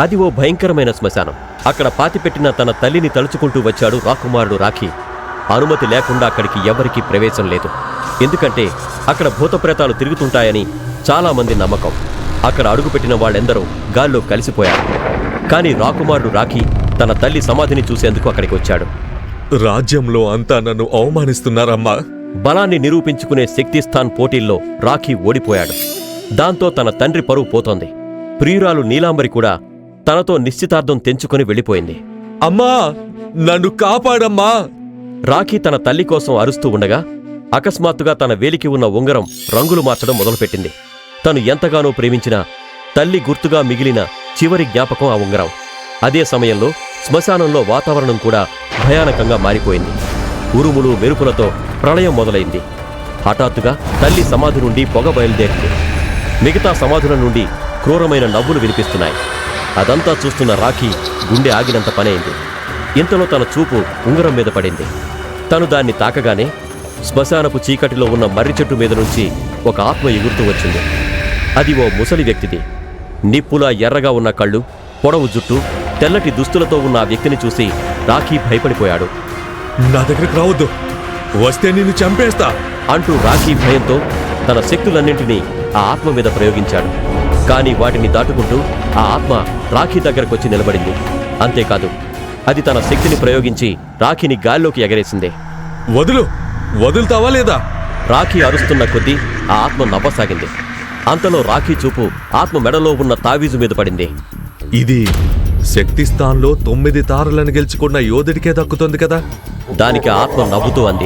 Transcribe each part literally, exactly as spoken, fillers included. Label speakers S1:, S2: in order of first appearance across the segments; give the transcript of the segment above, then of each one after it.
S1: అది ఓ భయంకరమైన శ్మశానం. అక్కడ పాతిపెట్టిన తన తల్లిని తలుచుకుంటూ వచ్చాడు రాకుమారుడు రాఖీ. అనుమతి లేకుండా అక్కడికి ఎవరికీ ప్రవేశం లేదు. ఎందుకంటే అక్కడ భూతప్రేతాలు తిరుగుతుంటాయని చాలామంది నమ్మకం. అక్కడ అడుగుపెట్టిన వాళ్ళెందరూ గాల్లో కలిసిపోయారు. కానీ రాకుమారుడు రాఖీ తన తల్లి సమాధిని చూసేందుకు అక్కడికి వచ్చాడు.
S2: రాజ్యంలో అంతా నన్ను అవమానిస్తున్నారమ్మా.
S1: బలాన్ని నిరూపించుకునే శక్తిస్థాన్ పోటీల్లో రాఖీ ఓడిపోయాడు. దాంతో తన తండ్రి పరువు పోతోంది. ప్రియురాలు నీలాంబరి కూడా తనతో నిశ్చితార్థం తెంచుకుని వెళ్ళిపోయింది.
S2: అమ్మా, నన్ను కాపాడమ్మా!
S1: రాఖీ తన తల్లి కోసం అరుస్తూ ఉండగా అకస్మాత్తుగా తన వేలికి ఉన్న ఉంగరం రంగులు మార్చడం మొదలుపెట్టింది. తను ఎంతగానో ప్రేమించిన తల్లి గుర్తుగా మిగిలిన చివరి జ్ఞాపకం ఆ ఉంగరం. అదే సమయంలో శ్మశానంలో వాతావరణం కూడా భయానకంగా మారిపోయింది. ఉరుములు మెరుపులతో ప్రళయం మొదలైంది. హఠాత్తుగా తల్లి సమాధి నుండి పొగ బయలుదేరింది. మిగతా సమాధుల నుండి క్రూరమైన నవ్వులు వినిపిస్తున్నాయి. అదంతా చూస్తున్న రాఖీ గుండె ఆగినంత పనైంది. ఇంతలో తన చూపు ఉంగరం మీద పడింది. తను దాన్ని తాకగానే శ్మశానపు చీకటిలో ఉన్న మర్రి చెట్టు మీద నుంచి ఒక ఆత్మ ఎగురుతూ వచ్చింది. అది ఓ ముసలి వ్యక్తిది. నిప్పులా ఎర్రగా ఉన్న కళ్ళు, పొడవు జుట్టు, తెల్లటి దుస్తులతో ఉన్న ఆ వ్యక్తిని చూసి రాఖీ భయపడిపోయాడు.
S2: నా దగ్గరికి రావద్దు, వస్తే నిన్ను చంపేస్తా
S1: అంటూ రాఖీ భయంతో తన శక్తులన్నింటినీ ఆ ఆత్మ మీద ప్రయోగించాడు. కానీ వాటిని దాటుకుంటూ ఆ ఆత్మ రాఖీ దగ్గరకొచ్చి నిలబడింది. అంతేకాదు, అది తన శక్తిని ప్రయోగించి రాఖీని గాల్లోకి ఎగరేసింది.
S2: వదులు, వదులుతావా లేదా?
S1: రాఖీ అరుస్తున్న కొద్దీ ఆ ఆత్మ నవ్వసాగింది. అంతలో రాఖీ చూపు ఆత్మ మెడలో ఉన్న తావీజు మీద పడింది.
S2: ఇది శక్తిస్థాన్లో తొమ్మిది తారలను గెలుచుకున్న యోధుడికే దక్కుతుంది కదా.
S1: దానికి ఆత్మ నవ్వుతూ అంది,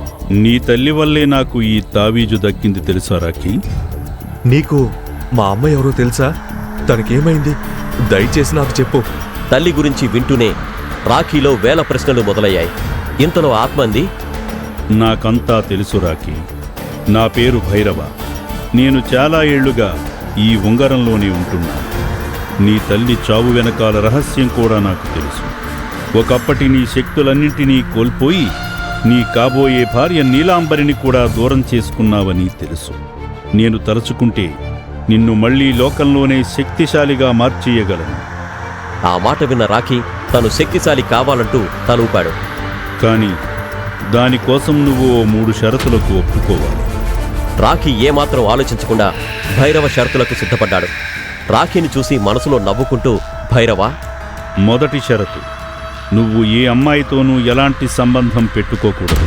S3: నీ తల్లి వల్లే నాకు ఈ తావీజు దక్కింది తెలుసా రాఖీ?
S2: నీకు మా అమ్మ ఎవరో తెలుసా? తనకేమైంది? దయచేసి నాకు చెప్పు.
S1: తల్లి గురించి వింటూనే రాఖీలో వేల ప్రశ్నలు మొదలయ్యాయి. ఇంతలో ఆత్మ అంది,
S3: నాకంతా తెలుసు రాఖీ. నా పేరు భైరవ. నేను చాలా ఏళ్లుగా ఈ ఉంగరంలోనే ఉంటున్నా. నీ తల్లి చావు వెనకాల రహస్యం కూడా నాకు తెలుసు. ఒకప్పటి నీ శక్తులన్నింటినీ కోల్పోయి నీ కాబోయే భార్య నీలాంబరిని కూడా దూరం చేసుకున్నావని తెలుసు. నేను తలుచుకుంటే నిన్ను మళ్లీ లోకంలోనే శక్తిశాలిగా మార్చేయగలను.
S1: ఆ మాట విన్న రాఖీ తను శక్తిశాలి కావాలంటూ తలూపాడు.
S3: కానీ దానికోసం నువ్వు ఓ మూడు షరతులకు ఒప్పుకోవాలి.
S1: రాఖీ ఏమాత్రం ఆలోచించకుండా భైరవ షరతులకు సిద్ధపడ్డాడు. రాఖీని చూసి మనసులో నవ్వుకుంటూ, భైరవ,
S3: మొదటి షరతు, నువ్వు ఏ అమ్మాయితోనూ ఎలాంటి సంబంధం పెట్టుకోకూడదు.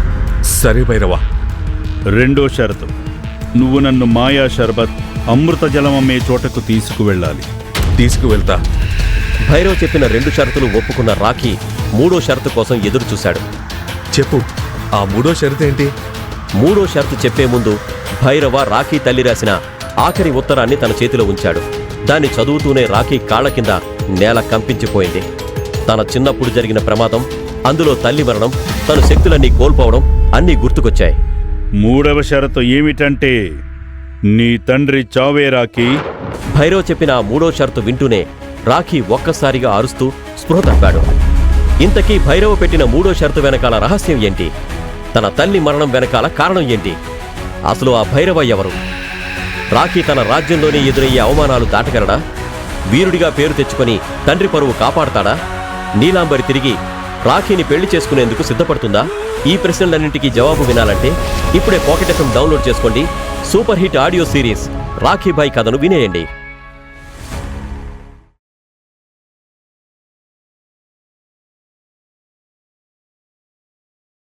S2: సరే భైరవ.
S3: రెండో షరతు, నువ్వు నన్ను మాయా షర్బత్ అమృత జలం అమ్మే చోటకు తీసుకువెళ్ళాలి.
S2: తీసుకువెళ్తా.
S1: భైరవ్ చెప్పిన రెండు షరతులు ఒప్పుకున్న రాఖీ మూడో షరతు కోసం ఎదురు చూశాడు.
S2: చెప్పు, ఆ మూడో షరతేంటి?
S1: మూడో షరతు చెప్పే ముందు భైరవ రాఖీ తల్లి రాసిన ఆఖరి ఉత్తరాన్ని తన చేతిలో ఉంచాడు. దాన్ని చదువుతూనే రాఖీ కాళ్ల కింద నేల కంపించిపోయింది. తన చిన్నప్పుడు జరిగిన ప్రమాదం, అందులో తల్లి మరణం, తను శక్తులన్నీ కోల్పోవడం అన్నీ గుర్తుకొచ్చాయి.
S3: మూడవ షరతు ఏమిటంటే నీ తండ్రి చావే రాఖీ.
S1: భైరవ్ చెప్పిన ఆ మూడో షరతు వింటూనే రాఖీ ఒక్కసారిగా అరుస్తూ స్పృహ తప్పాడు. ఇంతకీ భైరవ పెట్టిన మూడో షరతు వెనకాల రహస్యం ఏంటి? తన తల్లి మరణం వెనకాల కారణం ఏంటి? అసలు ఆ భైరవ ఎవరు? రాఖీ తన రాజ్యంలోనే ఎదురయ్యే అవమానాలు దాటగలడా? వీరుడిగా పేరు తెచ్చుకొని తండ్రి పరువు కాపాడతాడా? నీలాంబరి తిరిగి రాఖీని పెళ్లి చేసుకునేందుకు సిద్ధపడుతుందా? ఈ ప్రశ్నలన్నింటికీ జవాబు వినాలంటే ఇప్పుడే పాకెట్ ఎఫ్ఎం డౌన్లోడ్ చేసుకోండి. Super hit audio series Rakhi Bhai కథను వినేయండి.